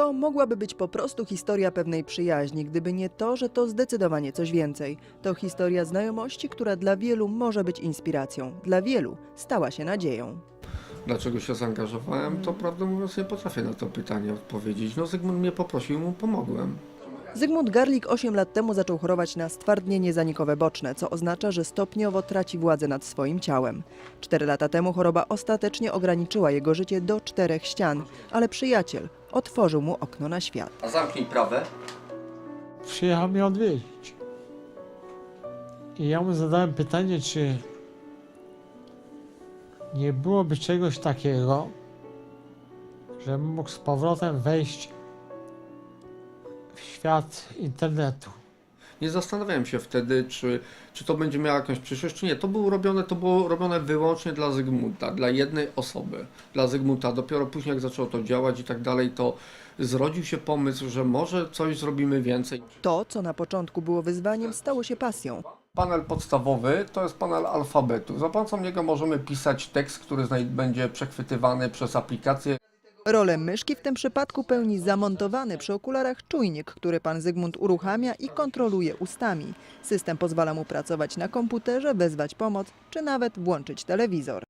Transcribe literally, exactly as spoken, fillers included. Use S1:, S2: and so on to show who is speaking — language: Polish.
S1: To mogłaby być po prostu historia pewnej przyjaźni, gdyby nie to, że to zdecydowanie coś więcej. To historia znajomości, która dla wielu może być inspiracją. Dla wielu stała się nadzieją.
S2: Dlaczego się zaangażowałem, to prawdę mówiąc nie potrafię na to pytanie odpowiedzieć. No Zygmunt mnie poprosił, mu pomogłem.
S1: Zygmunt Garlik osiem lat temu zaczął chorować na stwardnienie zanikowe boczne, co oznacza, że stopniowo traci władzę nad swoim ciałem. Cztery lata temu choroba ostatecznie ograniczyła jego życie do czterech ścian, ale przyjaciel otworzył mu okno na świat.
S2: A zamknij prawę.
S3: Przyjechał mnie odwiedzić. I ja mu zadałem pytanie, czy nie byłoby czegoś takiego, żebym mógł z powrotem wejść w świat internetu.
S2: Nie zastanawiałem się wtedy, czy, czy to będzie miało jakąś przyszłość, czy nie. To było robione, to było robione wyłącznie dla Zygmunta, dla jednej osoby, dla Zygmunta. Dopiero później, jak zaczęło to działać i tak dalej, to zrodził się pomysł, że może coś zrobimy więcej.
S1: To, co na początku było wyzwaniem, stało się pasją.
S2: Panel podstawowy to jest panel alfabetu. Za pomocą niego możemy pisać tekst, który będzie przechwytywany przez aplikację.
S1: Rolę myszki w tym przypadku pełni zamontowany przy okularach czujnik, który pan Zygmunt uruchamia i kontroluje ustami. System pozwala mu pracować na komputerze, wezwać pomoc czy nawet włączyć telewizor.